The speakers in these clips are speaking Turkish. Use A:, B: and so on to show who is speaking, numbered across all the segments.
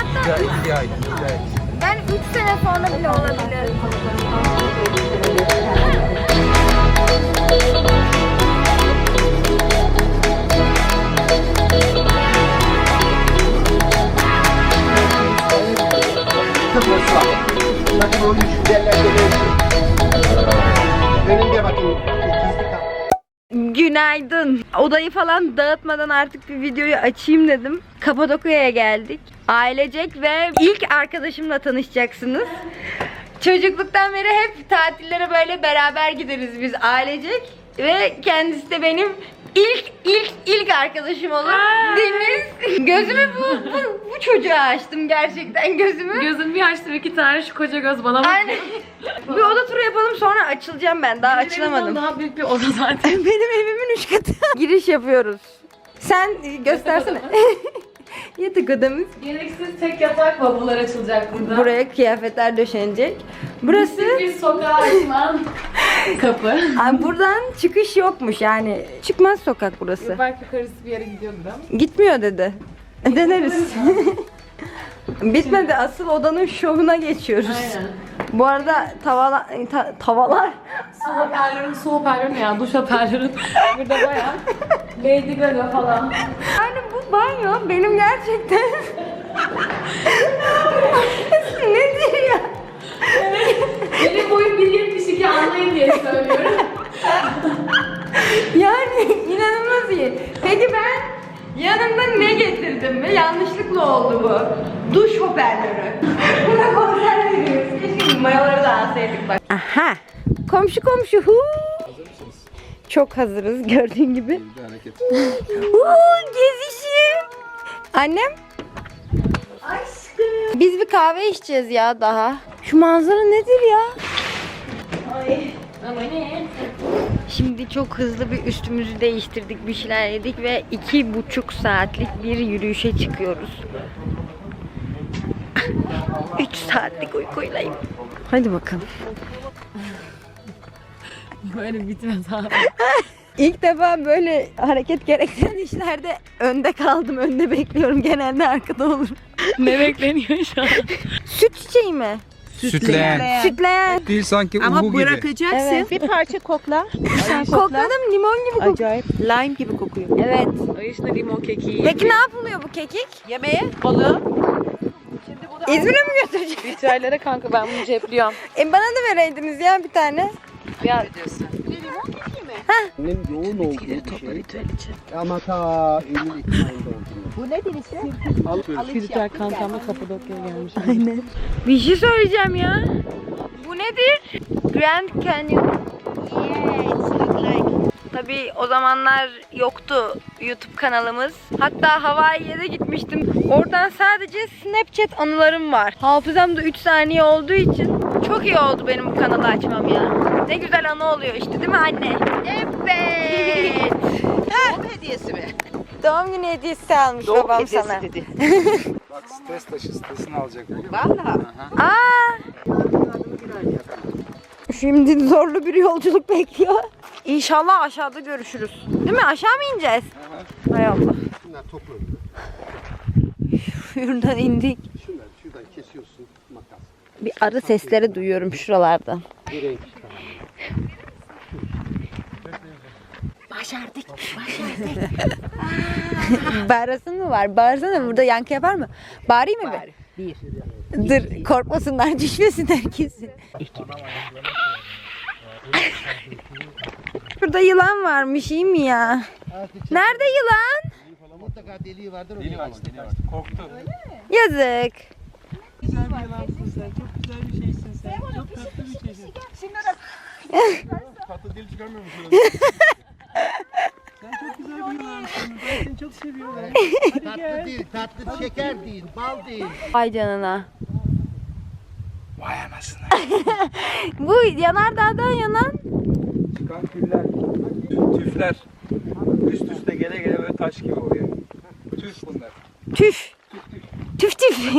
A: Hatta
B: Bir ay.
A: yani 3 sene sonra bile olabilir.
C: Bakın onun için derlerde önünde bakın.
A: Günaydın. Odayı falan dağıtmadan artık bir videoyu açayım dedim. Kapadokya'ya geldik. Ailecek ve ilk arkadaşımla tanışacaksınız. Çocukluktan beri hep tatillere böyle beraber gideriz biz ailecek. Ve kendisi de benim ilk arkadaşım olur. Deniz. Gözümü bu çocuğa açtım gerçekten gözümü.
D: Gözüm bir açtım, 2 tane şu koca göz bana bakıyor.
A: Aynen. Bir oda turu yapalım sonra açılacağım ben. Daha açılamadım.
D: Daha büyük bir oda zaten.
A: Benim evimin 3 katı. Giriş yapıyoruz. Sen göstersene. Yatak odamız.
D: Gereksiz tek yatak bavullar açılacak burada.
A: Buraya kıyafetler döşenecek. Burası
D: bir sokağa açılan kapı.
A: Ay, buradan çıkış yokmuş yani. Çıkmaz sokak burası.
D: Belki karısı bir yere gidiyordu da.
A: Gitmiyor dedi. Deneriz. Bitmedi. Asıl odanın şovuna geçiyoruz.
D: Aynen.
A: Bu arada tavalar.
D: Su hoparlörü ne ya? Duş hoparlörü. Burada bayağı Lady Gaga falan.
A: Yani bu banyo benim gerçekten nedir ya?
D: Benim boyum 1.72, anlayın diye söylüyorum.
A: Yani inanılmaz iyi. Peki ben yanımda ne getirdim ve yanlışlıkla oldu bu. Duş hoparlörü. Buna konser veriyoruz. Keşke mayoları da alsaydık bak. Aha. Komşu komşu. Çok hazırız gördüğün gibi. Gezişim. Annem. Aşkım. Biz bir kahve içeceğiz ya daha. Şu manzara nedir ya?
D: Ama ne?
A: Şimdi çok hızlı bir üstümüzü değiştirdik, bir şeyler yedik ve 2,5 saatlik bir yürüyüşe çıkıyoruz. 3 saatlik uykuylayım. Hadi bakalım.
D: Böyle bitmez abi.
A: İlk defa böyle hareket gerektiren işlerde önde kaldım, önde bekliyorum. Genelde arkada olurum.
D: Ne bekleniyor şu an?
A: Süt çiçeği mi?
B: Sütleyen.
A: Sütleyen.
B: Değil sanki
E: Ama
B: uhu gibi.
E: bırakacaksın.
A: Evet.
E: Bir parça kokla. Sen kokla.
A: Kokladım, limon gibi kokuyor.
E: Acayip lime gibi kokuyor.
A: Evet.
D: Ay işte limon kekiği.
A: Peki ne yapılıyor bu kekik?
E: Yemeğe balığı.
A: İzmir'e mi götürecek?
D: Ritüellere kanka ben bunu cepliyorum.
A: Bana da vereydiniz ya bir tane.
D: Ya
C: Annem yoğun olduğu bir şey. Ama ta Eylül Ekim ayında oldu.
E: Bu ne denizde?
D: ritüel kankamla Kapadokya'ya gelmiş.
A: Aynen. Bir şey söyleyeceğim ya. Bu nedir? Grand Canyon. Tabii o zamanlar yoktu YouTube kanalımız. Hatta Hawaii'ye de gitmiştim. Oradan sadece Snapchat anılarım var. Hafızamda 3 saniye olduğu için çok iyi oldu benim bu kanalı açmam ya. Ne güzel anı oluyor işte değil mi anne? Evet.
E: Doğum hediyesi mi?
A: Doğum günü hediyesi almış babam sana.
E: dedi.
B: Bak stres taşı stresini alacak.
E: Vallahi.
A: Aa! Şimdi zorlu bir yolculuk bekliyor. İnşallah aşağıda görüşürüz. Değil mi? Aşağı mı ineceğiz? Hay Allah.
C: Şunlar toplu.
A: Şuradan indik.
C: Şuradan kesiyorsun makas.
A: Bir arı sesleri duyuyorum şuralardan.
C: Bir renk.
E: Başardık.
A: Bağırasın mı var? Bağırsana, burada yankı yapar mı? Bağırayım mı?
E: Bari. Bir.
A: Dur, korkmasınlar, düşmesinler kesin. Burada yılan varmış, iyi mi ya? Nerede yılan?
C: Mutlaka deliği vardır.
B: Deli var. Korktu.
A: Yazık.
F: Güzel bir yalansın sen. Çok güzel bir şeysin sen. Çok tatlı bir şeysin. Tatlı dil çıkarmıyor musun? Sen çok güzel bir yalansın. Ben seni çok seviyorum. Hadi
C: Tatlı
F: gel.
C: değil, tatlı şeker değil, bal değil.
A: Vay canına.
B: Vay anasını.
A: Bu yanardağdan yanan
B: Çıkan küller. Tüfler. Üst üste gele gele böyle taş gibi oluyor. Tüf bunlar.
A: tüf. Tüf tüf.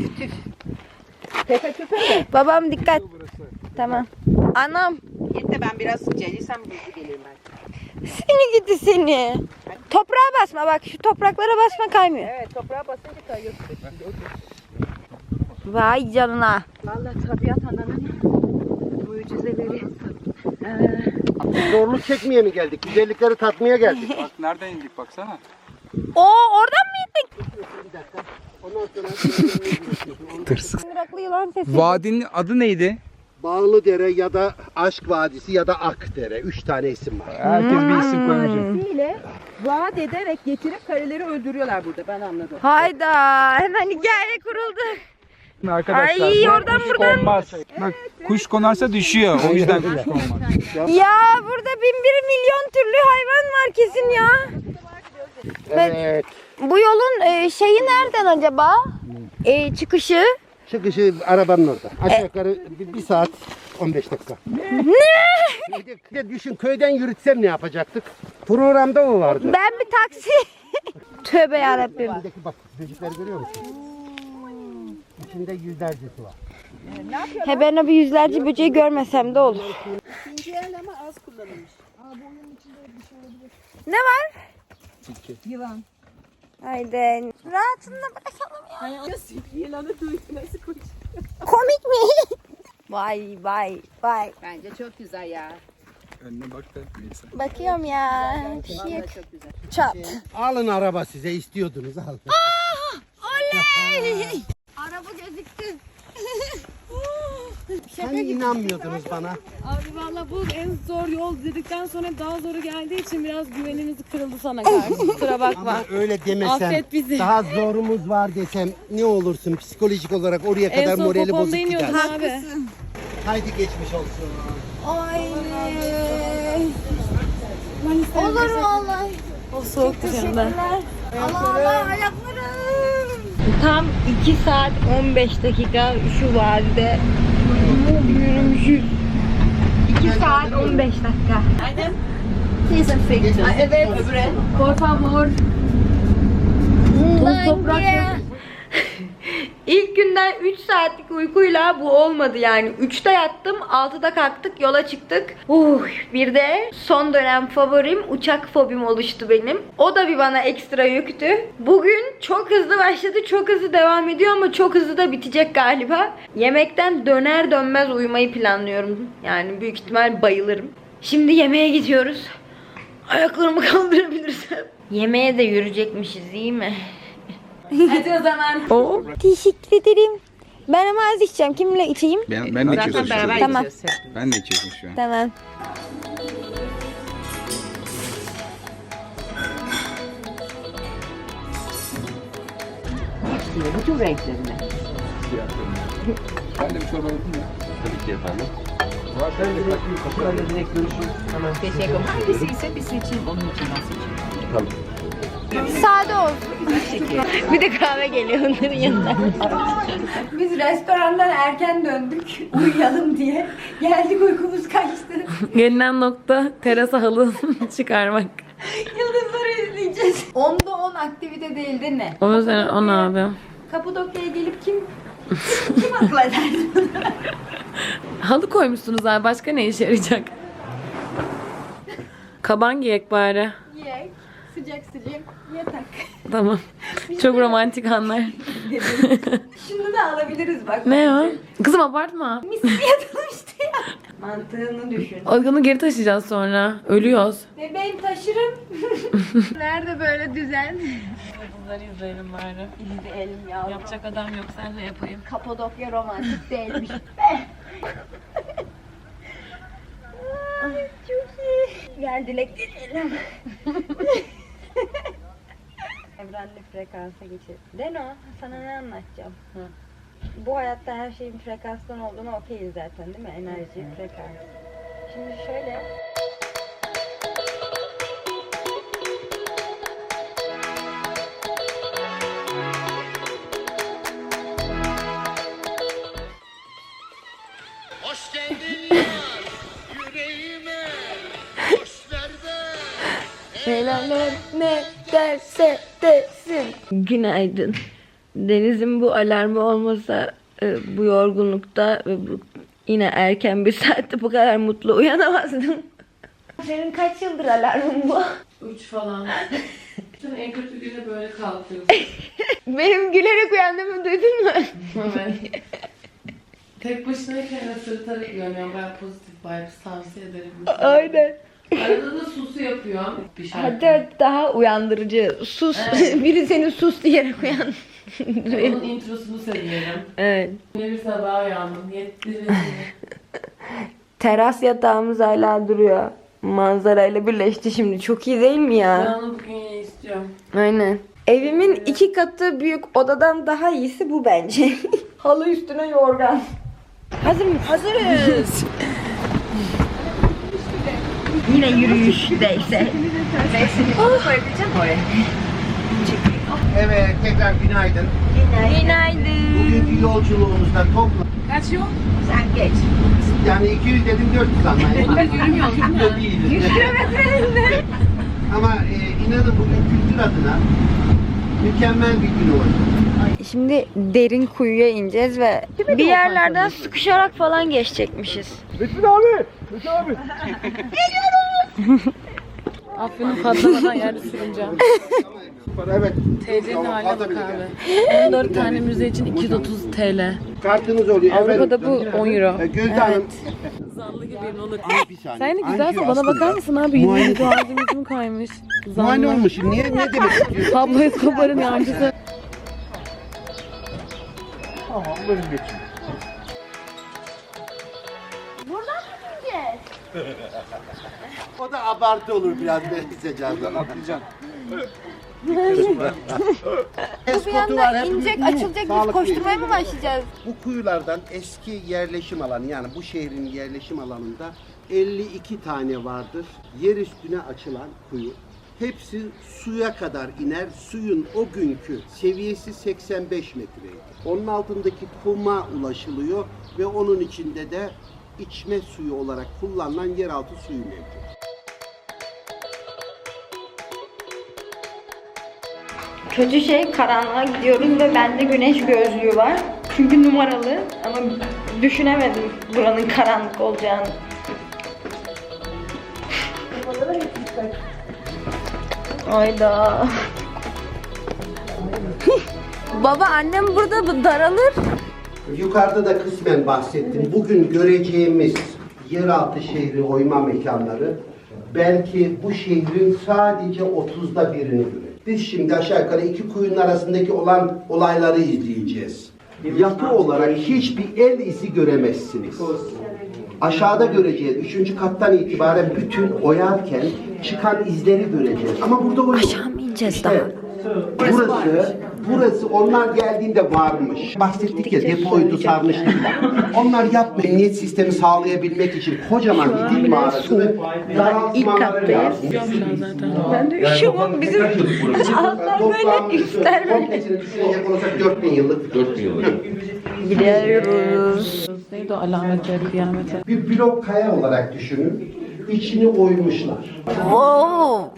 E: Tepe tüpe mi?
A: Babam dikkat.
B: Burası.
A: Tamam. Anam.
E: Yeter ben biraz sıcağıysam hızlı geleyim ben.
A: Seni gidi seni. Toprağa basma bak, şu topraklara basma, kaymıyor.
E: Evet toprağa basınca kayıyorsun.
A: Vay canına.
E: Vallahi tabiat ananın mucizeleri.
C: Zorluk çekmeye mi geldik? Güzellikleri tatmaya geldik.
B: Bak nereden indik baksana.
A: Oo, oradan mı indik?
C: Bir dakika. Ondan sonra
B: Tırsık.
A: Mıraklı yılan sesi.
B: Vadinin adı neydi?
C: Bağlıdere ya da Aşk Vadisi ya da Akdere. 3 tane isim var.
B: Herkes bir isim koymuş.
E: Ile vaat ederek getirip kareleri öldürüyorlar burada. Ben anladım.
A: Hayda, hemen hikaye kuruldu.
B: Arkadaşlar
A: Ay,
B: bu
A: oradan
B: kuş
A: buradan.
B: konmaz. Bak kuş konarsa düşüyor. O yüzden kuş konmaz.
A: Ya burada 1001 milyon türlü hayvan var kesin ya.
C: Evet.
A: Bu yolun şeyi nereden acaba? Çıkışı.
C: Çıkışı arabanın orada. Aşağı yukarı 1 saat 15 dakika.
A: Ne?
C: Bir de düşün köyden yürütsem ne yapacaktık? Programda o vardı.
A: Ben bir taksi. Tövbe yarabbim.
C: Buradaki bak böcekleri görüyor musun? İçinde yüzlercesi var.
A: He, ben o bir yüzlerce böceği görmesem de olur.
E: İkinci el ama az kullanılmış.
A: Ne var?
E: Yılan.
A: Haydi. Rahatında bırakalım ya.
E: Yılanı duydu nasıl koşuyor?
A: Komik mi? Vay vay vay.
E: Bence çok güzel ya.
B: Önüne bak da neyse.
A: Bakıyorum ya. Bir şey yok.
E: Vallahi çok güzel.
A: Çat.
C: Alın araba size istiyordunuz alın.
A: Oley! Araba gözüktü.
C: Hani inanmıyordunuz bana.
D: Abi valla bu en zor yol dedikten sonra daha zoru geldiği için biraz güvenimiz kırıldı sana karşı. Kusura bakma.
C: Ama öyle demesem,
D: Affet bizi.
C: daha zorumuz var desem ne olursun psikolojik olarak oraya
D: En
C: kadar
D: son
C: morali
D: popomda
C: bozuk
D: iniyordun
C: gider.
D: abi.
C: Haydi geçmiş olsun.
A: Ay. Olur vallahi.
D: O soğuk dışında.
A: Allah Allah ayaklarım. Tam 2 saat 15 dakika şu vadide yürümüşüz. 2 saat 15 dakika.
E: Evet. Öbüre.
D: Por favor. Toprak yok.
A: İlk günden 3 saatlik uykuyla bu olmadı yani. 3'te yattım, 6'da kalktık, yola çıktık. Bir de son dönem favorim uçak fobim oluştu benim. O da bir bana ekstra yüktü. Bugün çok hızlı başladı, çok hızlı devam ediyor ama çok hızlı da bitecek galiba. Yemekten döner dönmez uyumayı planlıyorum. Yani büyük ihtimal bayılırım. Şimdi yemeğe gidiyoruz. Ayaklarımı kaldırabilirsem. Yemeğe de yürüyecekmişiz, iyi mi?
D: Hadi o zaman.
A: Teşekkür ederim. Ben ama az içeceğim. Kimle içeyim?
B: Ben de içiyorsun şu an.
A: Tamam.
B: Ben de içiyorsun şu an.
A: Tamam.
E: Bütün renklerine.
B: Ben de bir çorba yapayım mı?
C: Tabii ki efendim.
E: Teşekkür ederim. Hangisi ise bir seçeyim. Onun için ben seçeyim.
C: Tamam.
A: Sade olsun. Bir de kahve geliyor onların yanına. Biz restorandan erken döndük uyuyalım diye. Geldik uykumuz kaçtı.
D: Gelinen nokta terasa halı çıkarmak.
A: Yıldızları izleyeceğiz. 10'da 10 aktivite değil değil mi?
D: O yüzden on abi.
A: Kapadokya'ya gelip kim akıl eder?
D: Halı koymuşsunuz abi. Başka ne işe yarayacak? Kaban giyek bari.
A: Yiyek, sıcak sıcak yatak.
D: Tamam. Çok romantik anlar.
A: Şunu da alabiliriz bak.
D: Ne o? Kızım abartma.
A: Misli yatılmıştı ya. Mantığını düşün.
D: Onu geri taşıyacağız sonra. Ölüyoruz.
A: Bebeğim taşırım. Nerede böyle düzen?
D: Bunları izleyelim bari.
A: İzleyelim yavrum.
D: Yapacak adam yok. Sen de yapayım.
A: Kapadokya romantik değilmiş. Ay, çok iyi. Gel dilek dileyelim. Evrenli frekansa geçelim. Deno, sana ne anlatacağım? Bu hayatta her şeyin frekanstan olduğunu okeyiz zaten değil mi? Enerji, frekans. Şimdi şöyle.
C: Hoş geldin yar, yüreğime, hoş
A: Helaller ne derse desin. Günaydın. Deniz'in bu alarmı olmasa bu yorgunlukta ve bu yine erken bir saatte bu kadar mutlu uyanamazdım. Senin kaç yıldır alarmın bu?
D: 3 falan. Sen en kötü güne böyle kalkıyorsun.
A: Benim gülerek uyandığımı duydun mu?
D: Evet. Tek başınayken de sırıtarak uyanıyorum. Ben pozitif vibes tavsiye ederim.
A: Aynen.
D: Arada da susu yapıyorum. Bir şarkı.
A: Hatta daha uyandırıcı. Sus.
D: Evet.
A: Biri seni sus diyerek uyan.
D: Onun introsunu seviyorum.
A: Evet.
D: Yine bir sabah uyandım. Yettirin.
A: Teras yatağımız hala duruyor. Manzarayla birleşti şimdi. Çok iyi değil mi
D: Ben
A: ya?
D: onu bugün yine istiyorum.
A: Aynen. Evimin 2 katı büyük odadan daha iyisi bu bence. Halı üstüne yorgan. Hazır mıyız? Hazırız. Yine yürüyüşteyse.
C: Evet, tekrar günaydın.
A: Günaydın.
C: Bugünkü yolculuğumuzda toplam
D: Kaç yol?
C: yani 200 dedim 400 anlayın.
D: Yürümüyoruz değil mi?
C: Değiliz. Ama inanın bugün kültür adına mükemmel bir gün olacak.
A: Şimdi derin kuyuya ineceğiz ve bir yerlerden sıkışarak falan geçecekmişiz.
F: Metin abi! Metin abi!
D: Afyon'un patlamadan yerde sürüneceğim.
C: Evet.
D: TC'nin haline bak abi. 14 tane müze için 230 TL.
C: Kartınız oluyor.
D: Avrupa'da bu 10 euro.
C: Gözde Hanım.
D: Zallı gibi balık.
C: Bir saniye.
D: Sen de güzelsin.
C: Anjiyo
D: Bana bakar
C: aslında
D: mısın abi? Yine ağzım yüzüm kaymış.
C: Muayene olmuşum. Niye? Ne demek istiyorsun?
D: Pablo Escobar'ın yancısı.
F: Tamam buyurun geçin.
C: O da abartı olur biraz neyse canım.
B: Atlayacaksın.
A: Bir anda inecek, açılacak, biz koşturmaya mı başlayacağız?
C: Bu kuyulardan eski yerleşim alanı, yani bu şehrin yerleşim alanında 52 tane vardır. Yer üstüne açılan kuyu. Hepsi suya kadar iner. Suyun o günkü seviyesi 85 metreydi. Onun altındaki kuma ulaşılıyor ve onun içinde de içme suyu olarak kullanılan yeraltı suyu mevcut.
A: Kötü şey, karanlığa gidiyoruz ve bende güneş gözlüğü var. Çünkü numaralı ama düşünemedim buranın karanlık olacağını. Ayda. Baba, annem burada daralır.
C: Yukarıda da kısmen bahsettim. Bugün göreceğimiz yeraltı şehri oyma mekanları belki bu şehrin sadece 30'da birini görecek. Biz şimdi aşağı yukarı iki kuyunun arasındaki olan olayları izleyeceğiz. Yapı olarak hiçbir el izi göremezsiniz. Aşağıda göreceğiz. 3. kattan itibaren bütün oyarken çıkan izleri göreceğiz. Ama burada o yok.
A: Aşağı mı ineceğiz
C: İşte
A: daha?
C: burası onlar geldiğinde varmış. Bahsettik ya, depoydu, sarmıştık. Onlar yapmıyor. Emniyet sistemi sağlayabilmek için kocaman bir dil mağarasını daraltmaları lazım.
A: Ben de üşüyorum. Bizim altlar böyle üstler böyle.
C: Komplesini düşünecek olursak 4000 yıllık. 4000 yıllık.
A: Gidiyoruz.
D: Neydi o alametleri, kıyamete?
C: Bir blok kaya olarak düşünün. İçini oymuşlar.
A: Wow.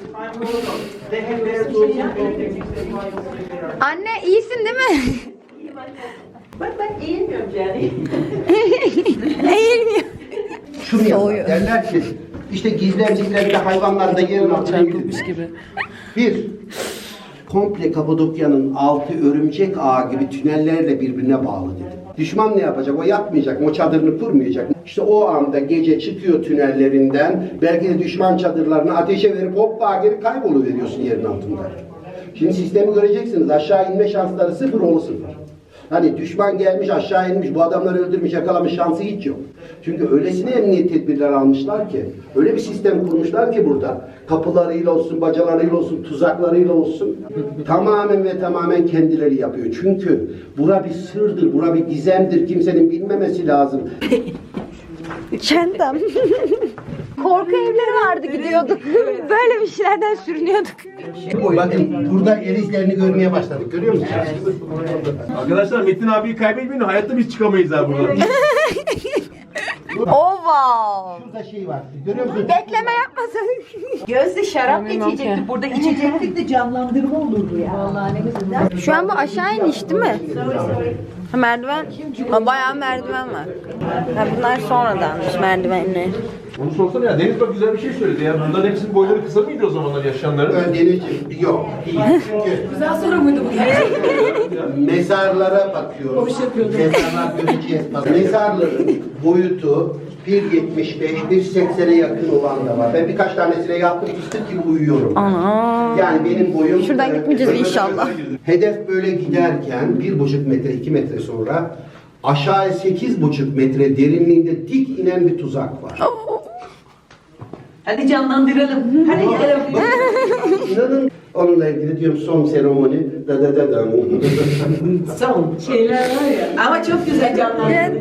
A: Anne iyisin değil mi? Ben eğilmiyorum yani. Eğilmiyor.
C: Şunu yapar. Derler ki işte gizlemciklerinde hayvanlar da yerin altına
D: Çarpılmış
C: gidiyor.
D: gibi.
C: Bir, komple Kapadokya'nın altı örümcek ağı gibi tünellerle birbirine bağlı dedi. Düşman ne yapacak? O yatmayacak, o çadırını kurmayacak. İşte o anda gece çıkıyor tünellerinden, belki de düşman çadırlarını ateşe verip hoppa geri kayboluveriyorsun yerin altında. Şimdi sistemi göreceksiniz, aşağı inme şansları sıfır, oğlu sıfır. Hani düşman gelmiş aşağı inmiş, bu adamları öldürmüş, yakalamış şansı hiç yok. Çünkü öylesine emniyet tedbirleri almışlar ki, öyle bir sistem kurmuşlar ki burada. Kapılarıyla olsun, bacalarıyla olsun, tuzaklarıyla olsun. Tamamen ve tamamen kendileri yapıyor. Çünkü bura bir sırdır, bura bir gizemdir. Kimsenin bilmemesi lazım.
A: Çantam. Korku evleri vardı, gidiyorduk. Böyle bir şeylerden sürünüyorduk.
C: Bakın burada el izlerini görmeye başladık. Görüyor musunuz?
F: Arkadaşlar Metin abiyi kaybetmeyin, hayatta biz çıkamayız ha buradan.
A: Oh wow.
C: Şurada şey var. Görüyor musunuz?
A: Bekleme yapmasın.
E: Gözde şarap
D: Bilmem ki.
E: içecekti. Burada içecektik de canlandırma olurdu ya. Vallahi ne güzel.
A: Şu an bu aşağı iniş değil mi? Ha, merdiven. Ha, bayağı merdiven var. Ha, bunlar sonradanmış merdivenler.
F: Onu sorsana ya. Deniz bak güzel bir şey söyledi ya. Bunların hepsinin boyları kısa mıydı o zamanlar yaşayanların?
C: Denizciğim yok değil. Çünkü
D: Güzel soru muydu bu gerçekten?
C: mezarlara bakıyorum. Mezarlar göreceğiz. Bak, mezarların boyutu 1.75, 1.80'e yakın olan da var. Ben birkaç tanesine yattım, fıstık gibi uyuyorum.
A: Ana.
C: Yani benim boyum...
A: Şuradan gitmeyeceğiz inşallah.
C: Hedef böyle giderken 1,5 metre, 2 metre sonra aşağıya 8,5 metre derinliğinde dik inen bir tuzak var.
E: Hadi canlandıralım. Hadi gelelim.
C: İnanın onunla ilgili diyorum son seremoni da da da da.
E: Son şeyler var ya. Ama çok güzel canlandırılıyor.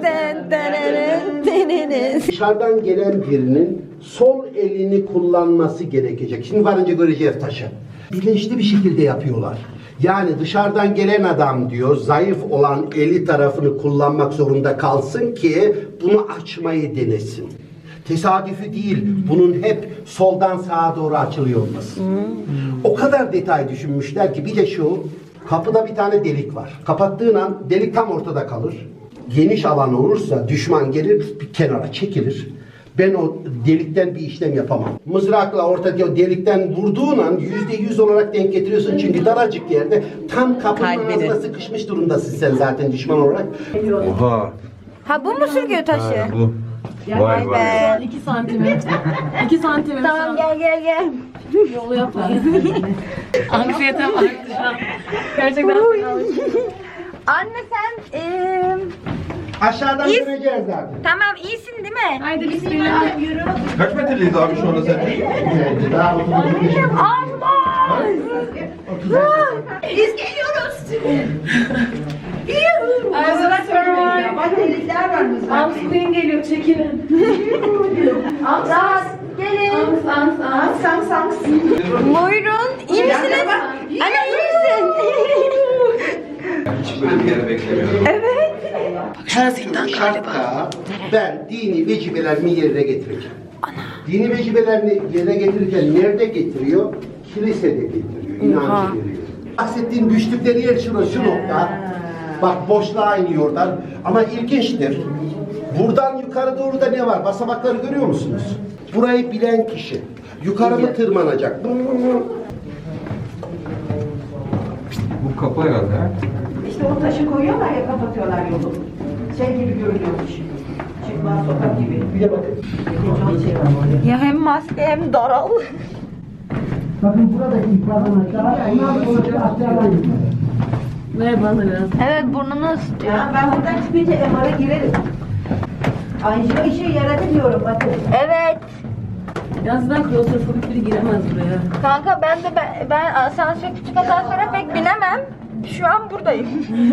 C: Dışarıdan gelen birinin sol elini kullanması gerekecek. Şimdi varınca göreceğiz taşı. Bilinçli bir şekilde yapıyorlar. Yani dışarıdan gelen adam diyor zayıf olan eli tarafını kullanmak zorunda kalsın ki bunu açmayı denesin. Tesadüfi değil, bunun hep soldan sağa doğru açılıyor olması. O kadar detay düşünmüşler ki bir de şu, kapıda bir tane delik var. Kapattığın an delik tam ortada kalır. Geniş alan olursa düşman gelir bir kenara çekilir. Ben o delikten bir işlem yapamam. Mızrakla ortadaki o delikten vurduğun an %100 olarak denk getiriyorsun. Çünkü daracık yerde tam kapının ağzına sıkışmış durumdasın sen zaten düşman olarak.
B: Oha.
A: Ha bu mu sürgüyor taşı?
B: Bu. Vay vay.
D: 2 santimetre. 2 santimetre.
A: Tamam gel.
D: Yolu yapma. Anksiyetem arttı şu an. Gerçekten.
A: Anne sen
C: Aşağıdan
A: İyi.
C: göreceğiz zaten.
A: tamam iyisin değil mi?
D: Haydi bismillah.
B: Kaç metreliyiz abi şu anda sen?
C: Evet, daha 35
A: Allah! Biz geliyoruz.
D: Ams Queen geliyor çekilin.
A: Rahat gelin. Buyurun. İyi misiniz? Anne iyi misin?
B: Hiç böyle bir yere beklemiyorum.
C: Her şartta ben dini vecibelerimi yerine getireceğim. Dini vecibelerini yerine getirirken nerede getiriyor? Kilisede getiriyor, inancı veriyor. Bahsettiğim düştükleri yer şu nokta. Bak boşluğa iniyorlar. Ama ilginçtir. Buradan yukarı doğru da ne var? Basamakları görüyor musunuz? Burayı bilen kişi. Yukarı mı tırmanacak?
B: Bu kapı herhalde ha?
G: İşte o taşı koyuyorlar ya kapatıyorlar yolu. Şey gibi görünüyormuş. Çıkmaz sokak gibi.
C: Bir de bakın.
A: Ya hem maske hem daral.
C: Bakın buradaki ifadını aşağıya, ondan sonra aşağıdan gidiyor.
D: Merhaba biraz.
A: Evet burnunu ısıtıyor.
G: Ya ben buradan çıkınca MR'a girerim. Anjiyo işe yaradı diyorum bakın.
A: Evet.
D: Yalnız ben klostrofobik biri giremez buraya.
A: Kanka ben asansör küçük asansöre pek binemem. Şu an buradayım.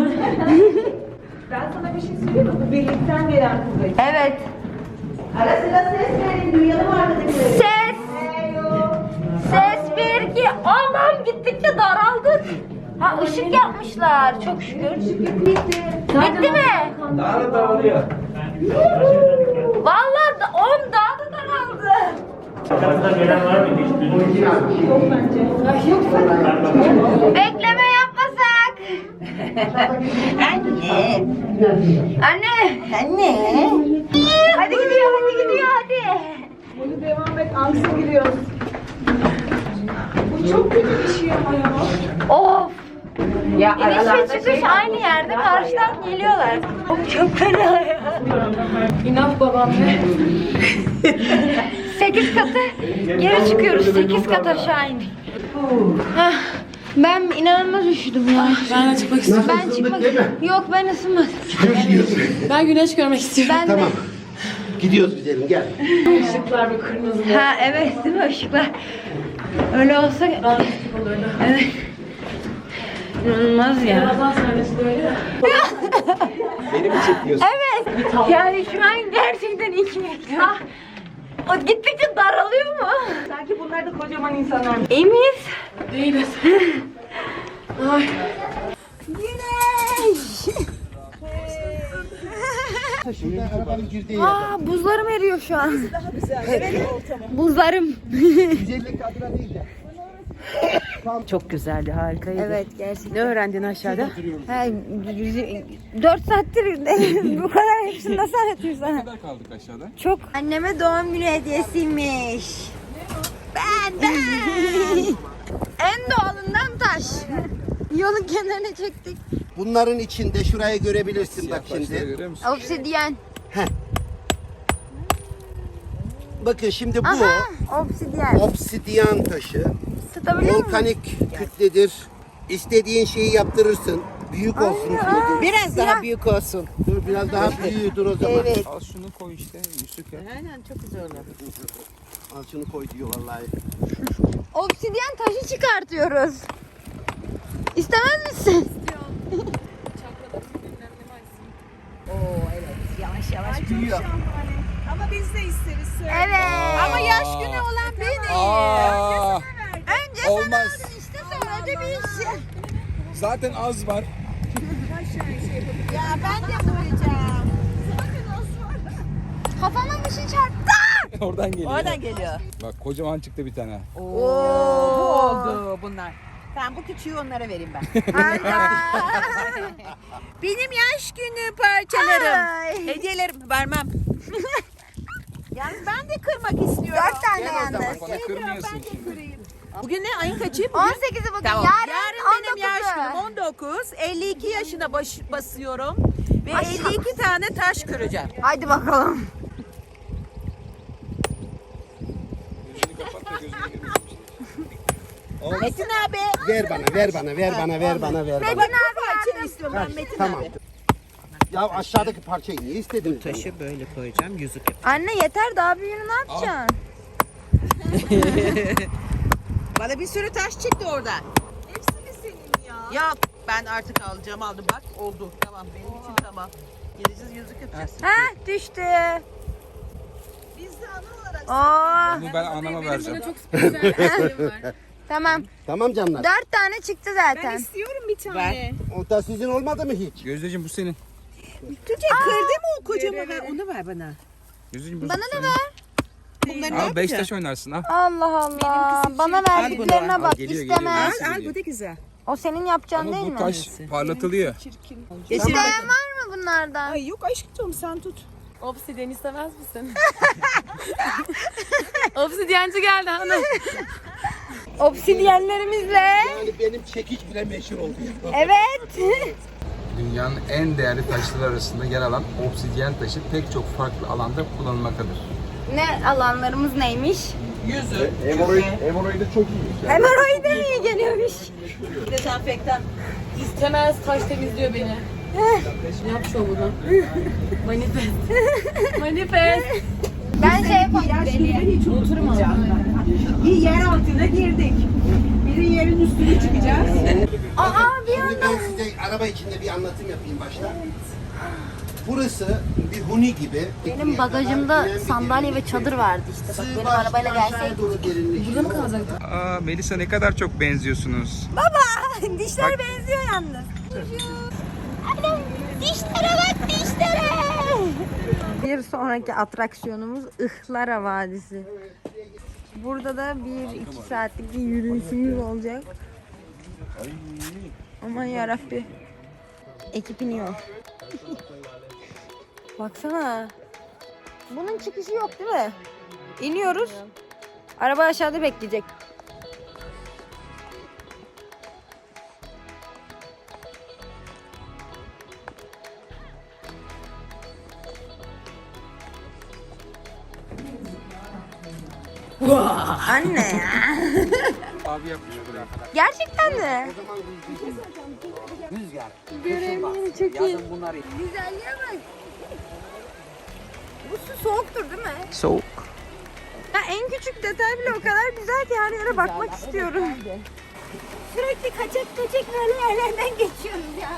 G: Ben sana bir şey söyleyeyim mi? Bu birlikten gelen kuvvet.
A: Evet.
G: Ara sıra ses verin. Duyalım arkadakileri.
A: Ses. Ses 1 2. Aman gittikçe daraldık. Ha ışık yapmışlar çok şükür. Bitti mi?
B: Daha dağılıyor.
A: Vallahi 10 daha da daraldı. Bekleme yapmasak. Anne. Hadi gidiyor hadi.
G: Bunu devam et. Angsa giriyoruz. Bu çok kötü bir şey ama ya.
A: Of. Ya İniş ve çıkış aynı yerde karşıdan geliyorlar. Çok fena ya.
D: İnaf babam ve
A: 8 katı geri çıkıyoruz. 8 kat aşağı indik. Hah, ben inanılmaz üşüdüm ya.
D: ben de çıkmak istiyorum.
A: Ben çıkmak yok ben ısınmadım.
D: Ben güneş görmek istiyorum.
A: Ben de.
C: Tamam. Gidiyoruz güzelim gel.
D: Işıklar ve kırmızı.
A: Ha evet değil mi ışıklar? Öyle olsa evet. İnanılmaz ya.
D: Ramazan sahnesi de öyle ya.
C: Beni mi çekiyorsun?
A: Evet. Yani şu an gerçekten 2 metre. O gittikçe daralıyor mu?
G: Sanki bunlar da kocaman insanlar.
A: İyi miyiz?
D: Değiliz. Ay.
A: Güneş.
C: Arabanın girdiği
A: Aa buzlarım eriyor şu an. Buzlarım.
C: 150 kadra değil de.
E: Çok güzeldi, harikaydı.
A: Evet gerçekten.
E: Ne öğrendin aşağıda?
A: 4 saattir bu kadar hepsini nasıl anlatayım sana?
B: Ne kadar kaldık aşağıda?
A: Çok. Anneme doğum günü hediyesiymiş. Ben. En doğalından taş. Yolun kenarına çektik.
C: Bunların içinde şurayı görebilirsin bak
B: Taşları
C: şimdi.
B: görüyor musun?
A: Obsidyen.
C: Bakın şimdi bu
A: Aha, obsidyen.
C: obsidyen taşı.
A: Tutabiliyor musun?
C: Volkanik kütledir. İstediğin şeyi yaptırırsın. Büyük olsun istedim.
E: Biraz daha büyük olsun.
C: Dur biraz daha büyüğüdür o zaman.
A: Evet.
B: Al şunu koy işte. Yusuf ya.
E: Aynen, çok güzel oldu.
C: Al şunu koy diyor vallahi.
A: Obsidyen taşı çıkartıyoruz. İstemez misin?
E: Ama biz de isteriz.
A: Evet.
E: Ama yaş günü olan benim.
B: Aa,
A: Önce sen
B: olmaz.
A: aldın işte sonra da bir şey.
B: Zaten az var.
E: Ya ben de vuracağım.
A: Kafama bir şey çarptı.
B: Oradan geliyor.
E: Oradan geliyor.
B: Bak kocaman çıktı bir tane.
E: Bu oldu bunlar. Tamam, bu küçüğü onlara vereyim ben. Benim yaş günü parçalarım.
A: Ay.
E: Hediyelerim vermem. Yani ben de kırmak istiyorum.
A: 4 tane
B: Gel o zaman
A: yalnız.
B: bana kırmıyorsun şimdi.
E: Bugün ne? Ayın kaçı? Bugün?
A: 18'i bugün.
E: Tamam.
A: Yarın
E: benim yaş
A: 19'u.
E: günüm 19. 52 yaşına basıyorum. Ve 52 tane taş kıracağım.
A: Haydi bakalım.
B: Gözünü kapat da gözüne girmesin.
E: Metin abi.
C: Ver bana, ver bana, ver bana, ver bana, ver bana.
E: Bak bu parçayı istiyorum ben Metin
C: Tamam.
E: abi.
C: Ya aşağıdaki parçayı niye istediniz?
E: Taşı böyle koyacağım, yüzük yap.
A: Anne yeter daha büyüğünü ne yapacaksın?
E: Bana bir sürü taş çıktı orada. Hepsi mi senin ya? Yok, ben artık aldım bak oldu. Tamam, benim için tamam. Geleceğiz, yüzük yapacağız.
A: Ha düştü.
E: Biz de ana olarak
A: Oo.
B: Bunu ben anama vereceğim.
A: Tamam.
C: Tamam canlar.
A: 4 tane çıktı zaten.
E: istiyorum bir tane. Ver.
C: O da sizin olmadı mı hiç?
B: Gözdeciğim bu senin.
E: Tuğçe kırdı mı o kocaman? Ver, onu ver bana.
B: Gözdeciğim bu
A: Bana da
B: senin.
A: ver.
E: Bunları ne
B: Al 5
E: yapacağım?
B: taş oynarsın al.
A: Allah Allah. Bana verdiklerine
B: Al,
A: bak
B: geliyor,
A: istemez.
B: geliyor.
E: Al, bu da güzel.
A: O senin yapacağın
B: Ama
A: değil
B: bu
A: mi?
B: taş parlatılıyor.
A: İsteyen var mı bunlardan?
E: Ay yok aşkım, sen tut.
D: Obsidyen istemez misin? Obsidyenci geldi hanım.
A: Obsidyenlerimizle.
C: Yani benim çekiç bile meşhur oldu.
A: Evet.
B: Dünyanın en değerli taşları arasında yer alan obsidyen taşı pek çok farklı alanda kullanılmaktadır.
A: Ne alanlarımız neymiş?
B: Hemoroide çok iyi.
A: Hemoroide mi iyi geliyormuş?
E: Dezenfektan.
D: İstemez taş temizliyor beni. Yap şovunu. Manifest. Manifest.
A: Ben şey yapayım.
G: Hiç unutmayacağım. Bir yer altına girdik. Bir yerin üstüne çıkacağız.
A: Aa bir
C: Şimdi
A: anda.
C: ben size araba içinde bir anlatım yapayım başta. Burası bir huni gibi.
A: Benim bagajımda sandalye ve çadır vardı işte. Bak benim arabayla gelseydik.
C: Burada mı kalacak?
B: Aa Melisa ne kadar çok benziyorsunuz.
A: Baba dişler benziyor yalnız. Anam dişlere bak dişlere. Bir sonraki atraksiyonumuz Ihlara Vadisi. Burada da 1-2 saatlik bir yürüyüşümüz olacak. Aman yarabbi. Ekip iniyor. Baksana. Bunun çıkışı yok değil mi? İniyoruz. Araba aşağıda bekleyecek. Anne ya.
B: Abi yapmış buraya.
A: Gerçekten mi?
C: Rüzgar.
A: Göremiyorum çok iyi. Güzelliğe bak. Bu su soğuktur değil mi?
B: Soğuk.
A: Ya en küçük detay bile o kadar güzel ki her yere bakmak istiyorum. Sürekli kaçak böyle yerlerden geçiyoruz ya.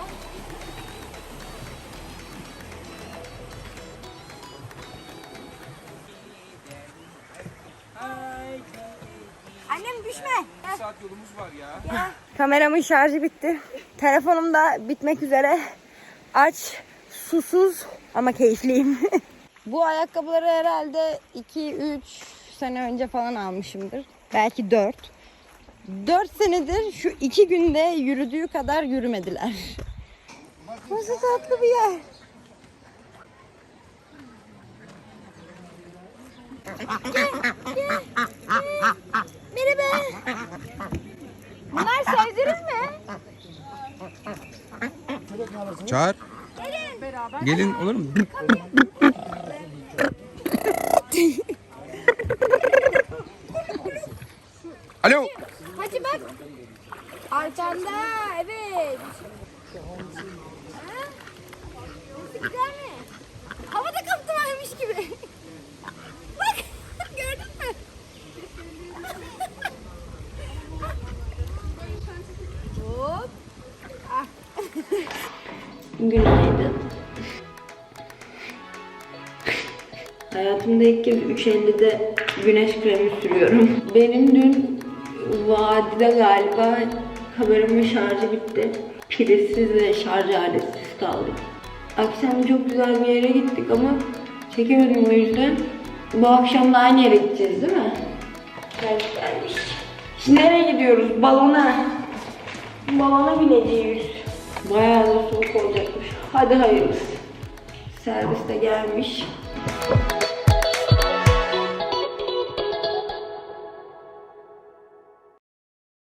A: Annem düşme.
B: Bir saat yolumuz var ya.
A: Kameramın şarjı bitti. Telefonum da bitmek üzere. Aç, susuz ama keyifliyim. Bu ayakkabıları herhalde 2-3 sene önce falan almışımdır. Belki 4. 4 senedir şu 2 günde yürüdüğü kadar yürümediler. Nasıl tatlı bir yer. Merhaba. Bunlar sevdiniz mi?
B: Çağır. Gelin olur mu? Alo.
A: Hadi bak. Arkanda, evet. Ha? Nasıl güzel mi? Havada kaptı varmış gibi. Bak, gördün mü? Hop. Ah. Günaydın. Hayatımda ilk kez 3.50'de güneş kremi sürüyorum. Benim dün vadide galiba kamerimin şarjı bitti. Prizsiz ve şarj aletsiz kaldık. Akşam çok güzel bir yere gittik ama çekemedim o yüzden. Bu akşam da aynı yere gideceğiz değil mi? Gelmiş. Şimdi nereye gidiyoruz? Balona. Balona bineceğiz. Bayağı da soğuk olacakmış. Hadi hayırlısı. Servis de gelmiş.